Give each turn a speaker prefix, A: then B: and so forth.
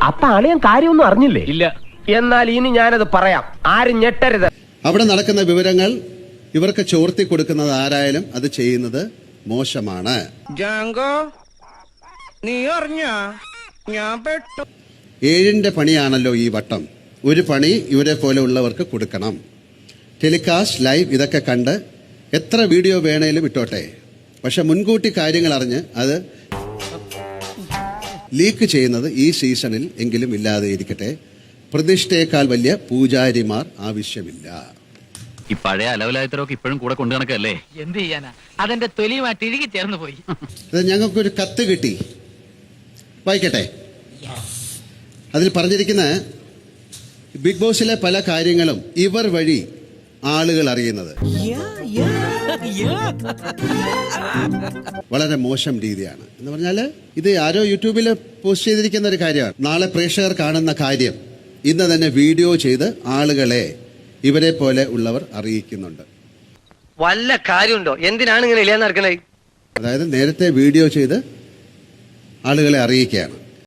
A: അപ്പൊ അളിയൻ കാര്യമൊന്നും അറിഞ്ഞില്ലേ?
B: ഇല്ല.
A: എന്നാൽ ഇനി ഞാനത് പറയാം, ആരും ഞെട്ടരുത്.
C: അവിടെ നടക്കുന്ന വിവരങ്ങൾ ഇവർക്ക് ചോർത്തി കൊടുക്കുന്നത് ആരായാലും അത് ചെയ്യുന്നത് മോശമാണ്.
D: നീ അറിഞ്ഞ ഞാൻ പെട്ടു.
C: 7ന്റെ പണിയാണല്ലോ ഈ വട്ടം. ഒരു പണി ഇവരെ പോലെ ഉള്ളവർക്ക് കൊടുക്കണം. ടെലികാസ്റ്റ്, ലൈവ് ഇതൊക്കെ കണ്ട് എത്ര വീഡിയോ വേണേലും ഇട്ടോട്ടെ. പക്ഷെ മുൻകൂട്ടി കാര്യങ്ങൾ അറിഞ്ഞ് അത് ലീക്ക് ചെയ്യുന്നത് ഈ സീസണിൽ എങ്കിലും ഇല്ലാതെ ഇരിക്കട്ടെ. പ്രതിഷ്ഠയേക്കാൾ വലിയ പൂജാരിമാർ ആവശ്യമില്ല.
B: ഈ പഴയ അലവലായത്തരൊക്കെ ഇപ്പോഴും കൂടെ കൊണ്ടു നടക്കല്ലേ?
E: എന്ത് ചെയ്യാനാ, അതെന്റെ തൊലിയുമായിട്ട് ഇഴുകി ചേർന്ന് പോയി.
C: അത് ഞങ്ങൾക്കൊരു കത്ത് കിട്ടി, വായിക്കട്ടെ. അതിൽ പറഞ്ഞിരിക്കുന്ന ബിഗ് ബോസിലെ പല കാര്യങ്ങളും ഇവർ വഴി ആളുകൾ അറിയുന്നത് വളരെ മോശം രീതിയാണ്. എന്ന് പറഞ്ഞാല് ഇത് ആരോ യൂട്യൂബിൽ പോസ്റ്റ് ചെയ്തിരിക്കുന്ന ഒരു കാര്യമാണ്. നാളെ പ്രേക്ഷകർ കാണുന്ന കാര്യം ഇന്ന് തന്നെ വീഡിയോ ചെയ്ത് ആളുകളെ ഇവരെ പോലെ ഉള്ളവർ അറിയിക്കുന്നുണ്ട്.
F: വല്ല കാര്യമുണ്ടോ? എന്തിനാണ് ഇങ്ങനെ ഇല്ലാന്ന് നടക്കണേ?
C: അതായത് നേരത്തെ വീഡിയോ ചെയ്ത് ആളുകളെ അറിയിക്കുകയാണ്.